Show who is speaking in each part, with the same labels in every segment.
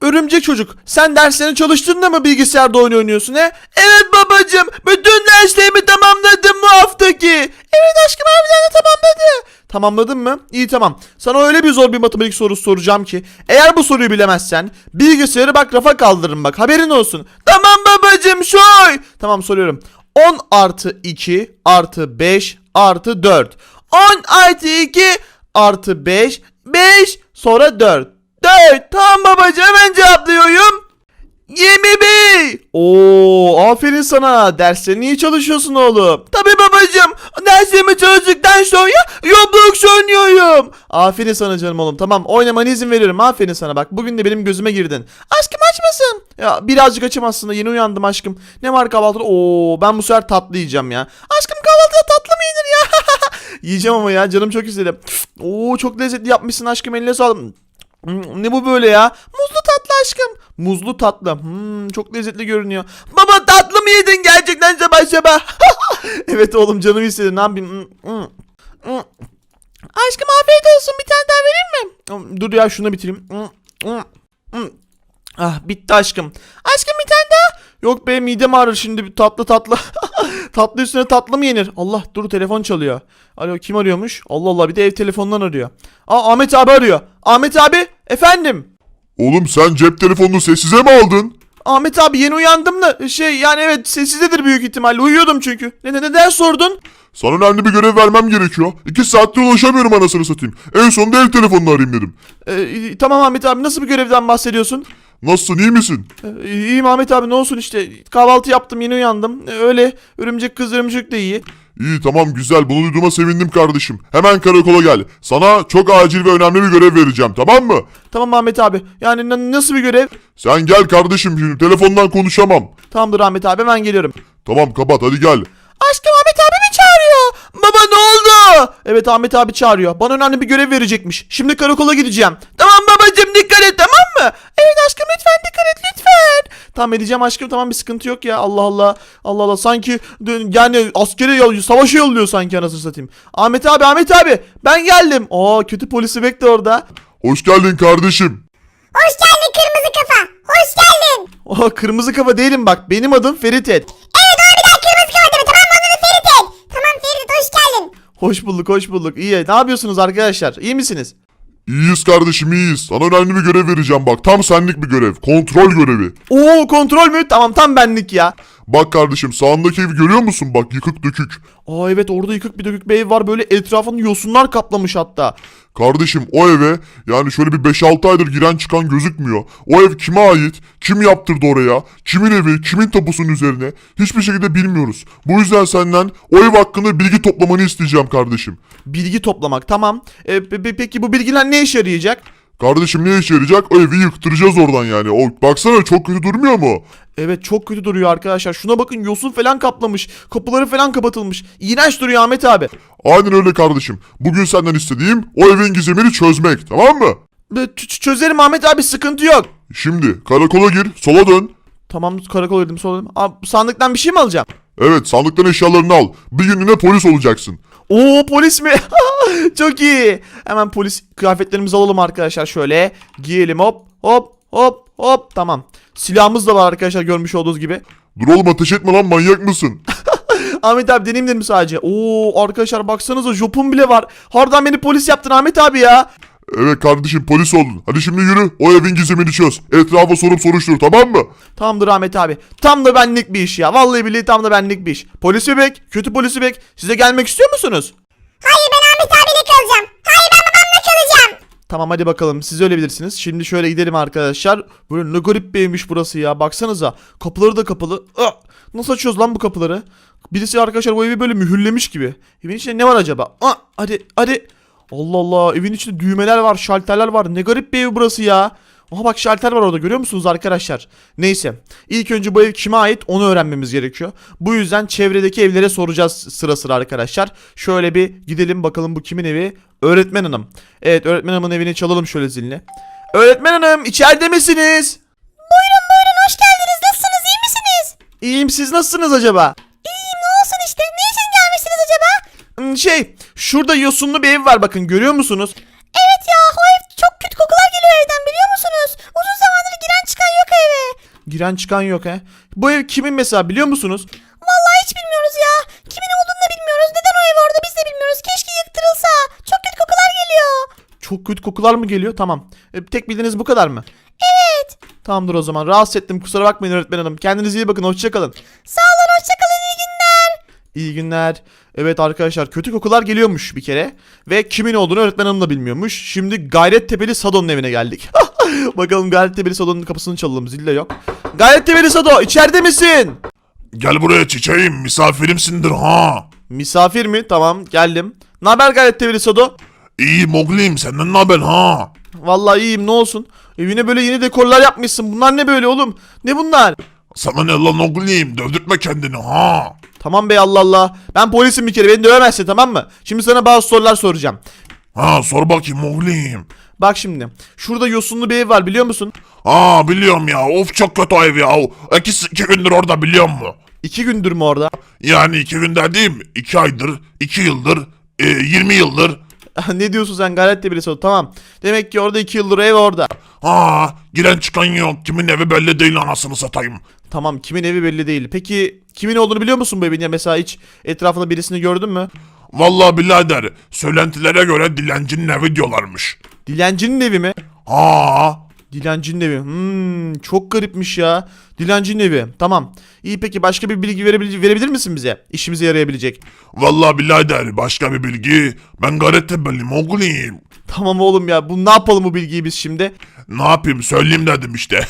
Speaker 1: örümcek çocuk, sen derslerini çalıştığında mı bilgisayarda oyun oynuyorsun he? Evet babacığım, bütün derslerimi tamamladım bu haftaki. Evet aşkım, harbiden de tamamladı. Tamamladın mı? İyi, tamam. Sana öyle bir zor bir matematik sorusu soracağım ki eğer bu soruyu bilemezsen bilgisayarı bak rafa kaldırırım, bak haberin olsun. Tamam babacığım, soy. Tamam, soruyorum. 10 artı 2 artı 5 artı 4. 10 artı 2 artı 5. 5 sonra 4. 4. Tamam babacığım, hemen cevaplıyorum. 21. Oo, aferin sana. Derslerini iyi çalışıyorsun oğlum. Tabii babacığım. Derslerimi çalıştıktan sonra Roblox oynuyorum. Aferin sana canım oğlum. Tamam, oynamana izin veriyorum. Aferin sana, bak bugün de benim gözüme girdin. Aşkım aç mısın? Ya birazcık açım aslında. Yeni uyandım aşkım. Ne var kahvaltıda? Oo, ben bu sefer tatlı yiyeceğim ya. Aşkım kahvaltıda tatlı mı yenir ya? Yiyeceğim ama ya, canım çok istedi. Oo, çok lezzetli yapmışsın aşkım, eline sağlık. Ne bu böyle ya? Muzlu tatlı aşkım. Muzlu tatlı. Çok lezzetli görünüyor. Baba, tatlı mı yedin gerçekten sabah sabah? Evet oğlum, canım istedi. Ne yapayım? Aşkım afiyet olsun. Bir tane daha vereyim mi? Dur ya, şunu bitireyim. Ah, bitti aşkım. Aşkım bir tane daha. Yok be, midem ağrır şimdi, tatlı tatlı. Tatlı üstüne tatlı mı yenir? Allah, dur, telefon çalıyor. Alo, kim arıyormuş? Allah Allah, bir de ev telefonundan arıyor. Aa, Ahmet abi arıyor. Ahmet abi, efendim.
Speaker 2: Oğlum sen cep telefonunu sessize mi aldın?
Speaker 1: Ahmet abi, yeni uyandım da yani evet, sessizdedir büyük ihtimalle, uyuyordum çünkü. Neden sordun?
Speaker 2: Sana önemli bir görev vermem gerekiyor. 2 saattir ulaşamıyorum anasını satayım. En sonunda ev telefonunu arayayım dedim.
Speaker 1: Tamam Ahmet abi, nasıl bir görevden bahsediyorsun?
Speaker 2: Nasılsın, iyi misin?
Speaker 1: İyiyim Ahmet abi, ne olsun işte, kahvaltı yaptım, yeni uyandım. Öyle, örümcek kız örümcek de iyi.
Speaker 2: İyi, tamam, güzel, bunu duyduğuma sevindim kardeşim. Hemen karakola gel. Sana çok acil ve önemli bir görev vereceğim, tamam mı?
Speaker 1: Tamam Ahmet abi, yani nasıl bir görev?
Speaker 2: Sen gel kardeşim, şimdi telefondan konuşamam.
Speaker 1: Tamamdır Ahmet abi, hemen geliyorum.
Speaker 2: Tamam, kapat, hadi gel.
Speaker 1: Aşkım, Ahmet abi mi çağırıyor? Baba, ne oldu? Evet, Ahmet abi çağırıyor. Bana önemli bir görev verecekmiş. Şimdi karakola gideceğim. Tamam babacığım, dikkat et, tamam mı? Evet aşkım, lütfen dikkat et, lütfen. Tamam, edeceğim aşkım, tamam, bir sıkıntı yok ya. Allah Allah. Allah Allah, sanki yani askere savaşa yolluyor sanki, anasını satayım. Ahmet abi ben geldim. Aa, kötü polisi bekle orada.
Speaker 2: Hoş geldin kardeşim.
Speaker 3: Hoş geldin kırmızı kafa. Hoş geldin.
Speaker 1: Aa, kırmızı kafa değilim bak. Benim adım Ferit Et.
Speaker 3: Evet, doğru, bir daha kırmızı kafa deme, tamam mı? Adını Ferit et. Tamam Ferit, hoş geldin.
Speaker 1: Hoş bulduk. İyi. Ne yapıyorsunuz arkadaşlar? İyi misiniz?
Speaker 2: İyiyiz kardeşim, iyiyiz. Sana önemli bir görev vereceğim bak. Tam senlik bir görev. Kontrol görevi.
Speaker 1: Oo, kontrol mü? Tamam, tam benlik ya.
Speaker 2: Bak kardeşim, sağındaki evi görüyor musun? Bak, yıkık dökük.
Speaker 1: Aa, evet, orada yıkık bir dökük bir ev var, böyle etrafını yosunlar kaplamış hatta.
Speaker 2: Kardeşim, o eve yani şöyle bir 5-6 aydır giren çıkan gözükmüyor. O ev kime ait? Kim yaptırdı oraya? Kimin evi? Kimin tapusunun üzerine? Hiçbir şekilde bilmiyoruz. Bu yüzden senden o ev hakkında bilgi toplamanı isteyeceğim kardeşim.
Speaker 1: Bilgi toplamak, tamam. Peki bu bilgiler ne işe yarayacak?
Speaker 2: Kardeşim, ne işe yarayacak? O evi yıktıracağız oradan yani. O, baksana, çok kötü durmuyor mu?
Speaker 1: Evet, çok kötü duruyor arkadaşlar. Şuna bakın, yosun falan kaplamış. Kapıları falan kapatılmış. İğrenç duruyor Ahmet abi.
Speaker 2: Aynen öyle kardeşim. Bugün senden istediğim o evin gizemini çözmek, tamam mı?
Speaker 1: Çözerim Ahmet abi, sıkıntı yok.
Speaker 2: Şimdi karakola gir, sola dön.
Speaker 1: Tamam, karakola girdim, sonra sandıktan bir şey mi alacağım?
Speaker 2: Evet, sandıktan eşyalarını al. Bir günlüğüne polis olacaksın.
Speaker 1: Oo, polis mi? Çok iyi. Hemen polis kıyafetlerimizi alalım arkadaşlar, şöyle. Giyelim, hop. Tamam. Silahımız da var arkadaşlar, görmüş olduğunuz gibi.
Speaker 2: Dur oğlum, ateş etme lan, manyak mısın?
Speaker 1: Ahmet abi, deneyim dedim sadece. Oo arkadaşlar, baksanıza, jopum bile var. Harbiden beni polis yaptın Ahmet abi ya.
Speaker 2: Evet kardeşim, polis oldun. Hadi şimdi yürü, o evin gizemini çöz. Etrafa sorup soruştur, tamam mı?
Speaker 1: Tamamdır Ahmet abi. Tam da benlik bir iş ya. Vallahi billahi tam da benlik bir iş. Polis bebek, kötü polis bebek. Size gelmek istiyor musunuz?
Speaker 3: Hayır, ben Ahmet abiyle kalacağım. Hayır, ben babamla kalacağım.
Speaker 1: Tamam, hadi bakalım, siz öyle bilirsiniz. Şimdi şöyle gidelim arkadaşlar. Böyle ne garip bir evmiş burası ya. Baksanıza, kapıları da kapalı. Nasıl açıyoruz lan bu kapıları? Birisi arkadaşlar bu evi böyle mühürlemiş gibi. Evin içinde ne var acaba? Hadi. Allah Allah, evin içinde düğmeler var, şalterler var. Ne garip bir ev burası ya. Aha bak, şalter var orada, görüyor musunuz arkadaşlar? Neyse, ilk önce bu ev kime ait onu öğrenmemiz gerekiyor. Bu yüzden çevredeki evlere soracağız sıra sıra arkadaşlar. Şöyle bir gidelim bakalım, bu kimin evi? Öğretmen hanım. Evet, öğretmen hanımın evini çalalım şöyle zilini. Öğretmen hanım, içeride misiniz?
Speaker 3: Buyurun, hoş geldiniz. Nasılsınız, iyi misiniz?
Speaker 1: İyiyim, siz nasılsınız acaba?
Speaker 3: İyiyim, ne olsun işte. Ne için gelmişsiniz acaba?
Speaker 1: Şurada yosunlu bir ev var, bakın, görüyor musunuz?
Speaker 3: Evet ya, o ev çok kötü kokular geliyor evden, biliyor musunuz? Uzun zamandır giren
Speaker 1: Giren çıkan yok he. Bu ev kimin mesela biliyor musunuz?
Speaker 3: Vallahi hiç bilmiyoruz ya. Kimin olduğunu da bilmiyoruz. Neden o ev orada biz de bilmiyoruz. Keşke yıktırılsa. Çok kötü kokular geliyor.
Speaker 1: Çok kötü kokular mı geliyor? Tamam. Tek bildiğiniz bu kadar mı?
Speaker 3: Evet.
Speaker 1: Tamamdır o zaman. Rahatsız ettim. Kusura bakmayın öğretmen hanım. Kendinize iyi bakın. Hoşçakalın.
Speaker 3: Sağ olun, hoşçakalın, iyi günler.
Speaker 1: İyi günler. Evet arkadaşlar kötü kokular geliyormuş bir kere. Ve kimin olduğunu öğretmen hanım da bilmiyormuş. Şimdi Gayrettepe'li Sado'nun evine geldik. Bakalım Gayrettepe'li Sado'nun kapısını çalalım. Zil de yok. Gayrettepe'li Sado içeride misin?
Speaker 2: Gel buraya çiçeğim, misafirimsindir ha.
Speaker 1: Misafir mi? Tamam geldim. Naber Gayrettepe'li Sado?
Speaker 2: İyi Moglim, senden ne haber ha?
Speaker 1: Vallahi iyiyim ne olsun. Evine böyle yeni dekorlar yapmışsın. Bunlar ne böyle oğlum? Ne bunlar?
Speaker 2: Sana ne lan Moglim, dövdürtme kendini ha.
Speaker 1: Tamam bey Allah Allah. Ben polisim bir kere beni dövemezsin tamam mı? Şimdi sana bazı sorular soracağım.
Speaker 2: Ha sor bakayım Moglim.
Speaker 1: Bak şimdi. Şurada yosunlu bir ev var biliyor musun?
Speaker 2: Ha biliyorum ya, of çok kötü ev ya. İki gündür orada biliyor musun?
Speaker 1: 2 gündür mü orada?
Speaker 2: Yani 2 günde değil mi? 2 aydır, 2 yıldır, 20 yıldır.
Speaker 1: Ne diyorsun sen Gayrettepe'li Sado? Tamam. Demek ki orada 2 yıldır ev orada.
Speaker 2: Ha giren çıkan yok, kimin evi belli değil anasını satayım.
Speaker 1: Tamam kimin evi belli değil. Peki kimin olduğunu biliyor musun bu evin ya? Mesela hiç etrafında birisini gördün mü?
Speaker 2: Vallahi birader, söylentilere göre dilencinin evi diyorlarmış.
Speaker 1: Dilencinin evi mi?
Speaker 2: Ha
Speaker 1: Dilencinin evi. Çok garipmiş ya. Dilencinin evi. Tamam. İyi peki başka bir bilgi verebilir misin bize? İşimize yarayabilecek.
Speaker 2: vallahi birader, başka bir bilgi, ben Gayrettepe'liyim Moglim.
Speaker 1: Tamam oğlum ya. Ne yapalım bu bilgiyi biz şimdi?
Speaker 2: Ne yapayım, söyleyeyim dedim işte.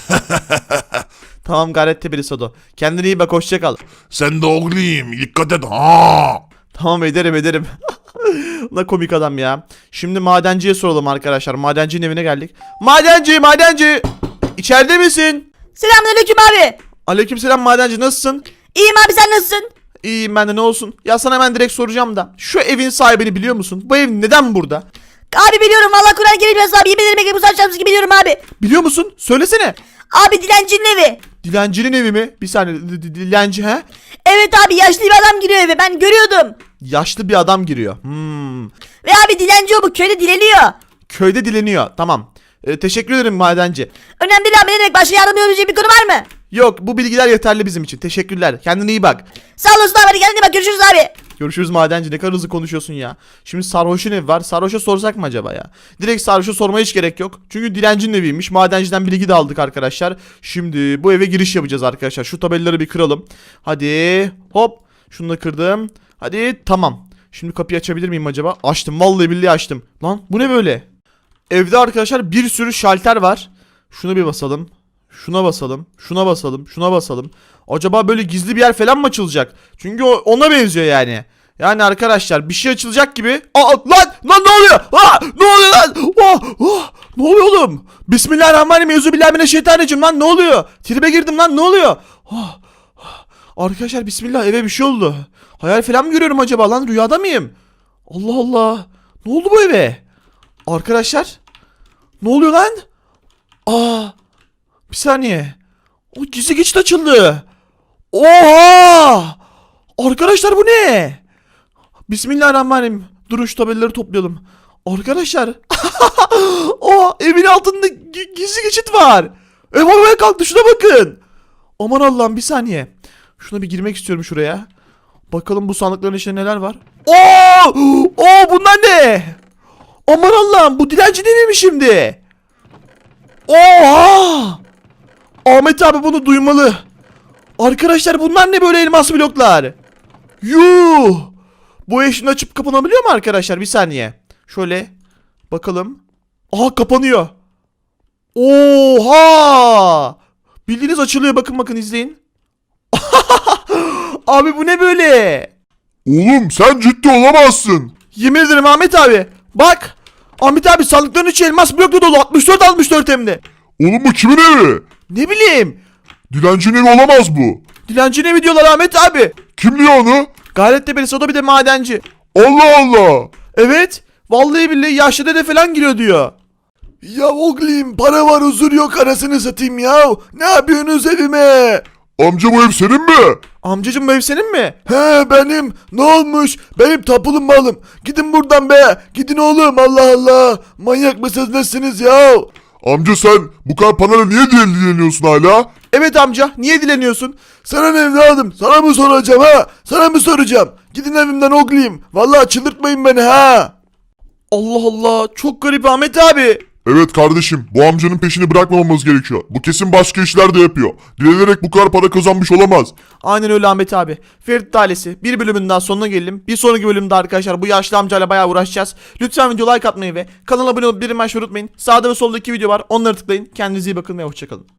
Speaker 1: Tamam Gayrettepe'li Sado. Kendine iyi bak hoşça kal.
Speaker 2: Sen de oğlum dikkat et ha.
Speaker 1: Tamam ederim. Ne komik adam ya. Şimdi madenciye soralım arkadaşlar. Madencinin evine geldik. Madenci. İçeride misin?
Speaker 3: Selamünaleyküm abi.
Speaker 1: Aleykümselam madenci nasılsın?
Speaker 3: İyiyim abi, sen nasılsın?
Speaker 1: İyiyim ben de ne olsun. Ya sana hemen direkt soracağım da. Şu evin sahibini biliyor musun? Bu ev neden burada?
Speaker 3: Abi biliyorum, Allah Kur'an gelmez abi. Yemin ederim ki bu saç gibi biliyorum abi.
Speaker 1: Biliyor musun? Söylesene.
Speaker 3: Abi dilencinin evi.
Speaker 1: Dilencinin evi mi? Bir saniye. Dilenci he?
Speaker 3: Evet abi, yaşlı bir adam giriyor eve, ben görüyordum.
Speaker 1: Yaşlı bir adam giriyor.
Speaker 3: Ve abi dilenci o, bu köyde dileniyor.
Speaker 1: Köyde dileniyor. Tamam. Teşekkür ederim madenci.
Speaker 3: Önemli değil abi, ne demek, başka yardımcı olabileceğim bir konu var mı?
Speaker 1: Yok bu bilgiler yeterli bizim için. Teşekkürler. Kendine iyi bak.
Speaker 3: Sağ olasın abi, hadi kendine bak, görüşürüz abi.
Speaker 1: Görüşürüz madenci. Ne kadar hızlı konuşuyorsun ya. Şimdi sarhoşun evi var. Sarhoşa sorsak mı acaba ya? Direkt sarhoşa sormaya hiç gerek yok. Çünkü dilencinin eviymiş. Madenciden bilgi de aldık arkadaşlar. Şimdi bu eve giriş yapacağız arkadaşlar. Şu tabelaları bir kıralım. Hadi. Hop. Şunu da kırdım. Hadi tamam. Şimdi kapıyı açabilir miyim acaba? Açtım. Vallahi billahi açtım. Lan bu ne böyle? Evde arkadaşlar bir sürü şalter var. Şunu bir basalım. Şuna basalım. Şuna basalım. Şuna basalım. Acaba böyle gizli bir yer falan mı açılacak? Çünkü ona benziyor yani. Yani arkadaşlar bir şey açılacak gibi. Lan ne oluyor? Ne oluyor lan? Ne oluyor oğlum? Bismillahirrahmanirrahim. Euzubillahimineşşeytanirracim lan ne oluyor? Tribe girdim lan ne oluyor? Arkadaşlar bismillah eve bir şey oldu. Hayal falan mı görüyorum acaba lan rüyada mıyım? Allah Allah. Ne oldu bu eve? Arkadaşlar. Ne oluyor lan? Bir saniye. O gizli geçit açıldı. Oha! Arkadaşlar bu ne? Bismillahirrahmanirrahim. Durun şu tabelaları toplayalım. Arkadaşlar. Evin altında gizli geçit var. Ev havaya kalktı şuna bakın. Aman Allah'ım bir saniye. Şuna bir girmek istiyorum şuraya. Bakalım bu sandıkların içinde neler var. Bunlar ne? Aman Allah'ım bu dilenci değil mi şimdi? Oha! Ahmet abi bunu duymalı. Arkadaşlar bunlar ne böyle elmas bloklar? Yuh! Bu ev şimdi açıp kapanabiliyor mu arkadaşlar? Bir saniye. Şöyle bakalım. Kapanıyor. Oha! Bildiğiniz açılıyor. Bakın izleyin. Abi bu ne böyle?
Speaker 2: Oğlum sen ciddi olamazsın.
Speaker 1: Yemin ederim Ahmet abi. Bak. Ahmet abi sandıkların içi elmas blokla dolu. 64 hem de.
Speaker 2: Oğlum bu kimin evi?
Speaker 1: Ne bileyim.
Speaker 2: Dilencinin evi olamaz bu.
Speaker 1: Dilenci ne mi diyorlar Ahmet abi?
Speaker 2: Kim diyor onu?
Speaker 1: Gayrettepe'li Sado bir de madenci.
Speaker 2: Allah Allah.
Speaker 1: Evet. Vallahi billahi yaşlı dede falan giriyor diyor. Ya oğlum para var huzur yok arasını satayım ya. Ne yapıyorsunuz evime?
Speaker 2: Amca bu ev senin mi?
Speaker 1: Amcacım bu ev senin mi?
Speaker 4: He benim. Ne olmuş? Benim tapulum malım. Gidin buradan be. Gidin oğlum Allah Allah. Manyak mısınız nesiniz ya?
Speaker 2: Amca sen bu kadar parayla niye dileniyorsun hala?
Speaker 1: Evet amca, niye dileniyorsun?
Speaker 4: Sana ne evladım? Sana mı soracağım ha? Sana mı soracağım? Gidin evimden oğlum. Vallahi çıldırtmayın beni ha.
Speaker 1: Allah Allah, çok garip Ahmet abi.
Speaker 2: Evet kardeşim, bu amcanın peşini bırakmamamız gerekiyor. Bu kesin başka işler de yapıyor. Dilenerek bu kadar para kazanmış olamaz.
Speaker 1: Aynen öyle Ahmet abi. Ferit ailesi bir bölümün daha sonuna gelelim. Bir sonraki bölümde arkadaşlar bu yaşlı amcayla bayağı uğraşacağız. Lütfen video like atmayı ve kanala abone olup bildirim açmayı unutmayın. Sağda ve solda 2 video var. Onları tıklayın. Kendinize iyi bakın ve hoşçakalın.